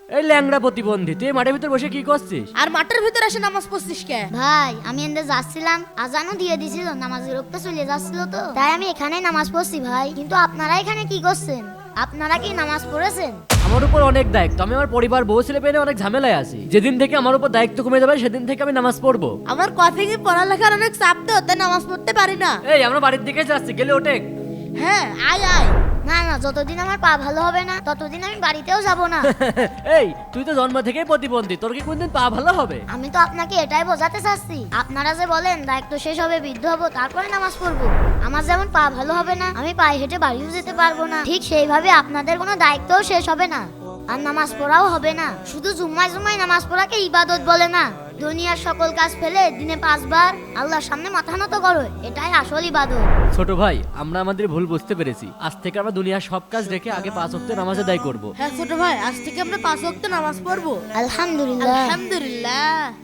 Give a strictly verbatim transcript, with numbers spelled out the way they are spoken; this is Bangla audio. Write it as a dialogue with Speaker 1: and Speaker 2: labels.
Speaker 1: এই ল্যাংড়া প্রতিবন্ধী, তুই এই মাঠের ভিতর বসে কি করছিস?
Speaker 2: আর মাঠের ভিতরে এসে নামাজ পড়ছিস কে?
Speaker 3: ভাই আমি এনদে যাচ্ছিলাম, আজানও দিয়ে দিছিল, নামাজের রক্ত চলে যাচ্ছিল, তো তাই আমি এখানে নামাজ পড়ছি ভাই। কিন্তু আপনারা এখানে কি করছেন? আপনারা কি নামাজ পড়েছেন?
Speaker 1: আমার উপর অনেক দায়িত্ব, আমি আমার পরিবার বউ ছেলে পেয়ে নিয়ে অনেক ঝামেলায় আছি। যেদিন থেকে আমার উপর দায়িত্ব কমে যাবে সেদিন থেকে আমি নামাজ পড়বো।
Speaker 2: আমার কথা কি পড়ালেখার অনেক চাপ তো, তাই নামাজ পড়তে পারি না।
Speaker 1: এই আমরা বাড়ির দিকে যাচ্ছি, গেলে ওঠে।
Speaker 2: হ্যাঁ আয় আয়।
Speaker 3: না না, যতদিন আমার পা ভালো হবে না ততদিন আমি বাড়িতেও যাব না।
Speaker 1: এই তুই তো জন্ম থেকেই প্রতিবন্ধী, তোর কি কোনদিন পা ভালো হবে?
Speaker 3: আমি তো আপনাকে এটাই বোঝাতে চাচ্ছি, আপনারা যে বলেন দায়িত্ব শেষ হবে বৃদ্ধ হবো তারপরে নামাজ পড়বো, আমার যেমন পা ভালো হবে না, আমি পায়ে হেঁটে বাড়িও যেতে পারবো না, ঠিক সেইভাবে আপনাদের কোনো দায়িত্বও শেষ হবে না, আর নামাজ পড়াও হবে না। শুধু জুম্মায় জুম্মায় নামাজ পড়াকে ইবাদত বলে না, দুনিয়ার সকল কাজ ফেলে দিনে পাঁচবার আল্লাহর সামনে মাথা নত করো, এটাই আসল ইবাদত।
Speaker 1: ছোট ভাই, আমরা আমাদের ভুল বুঝতে পেরেছি। আজ থেকে আমরা দুনিয়ার সব কাজ রেখে আগে পাঁচ ওয়াক্ত নামাজ আদায় করব।
Speaker 2: হ্যাঁ ছোট ভাই, আজ থেকে আমরা পাঁচ ওয়াক্ত নামাজ পড়বো।
Speaker 3: আলহামদুলিল্লাহ।
Speaker 2: আলহামদুলিল্লাহ।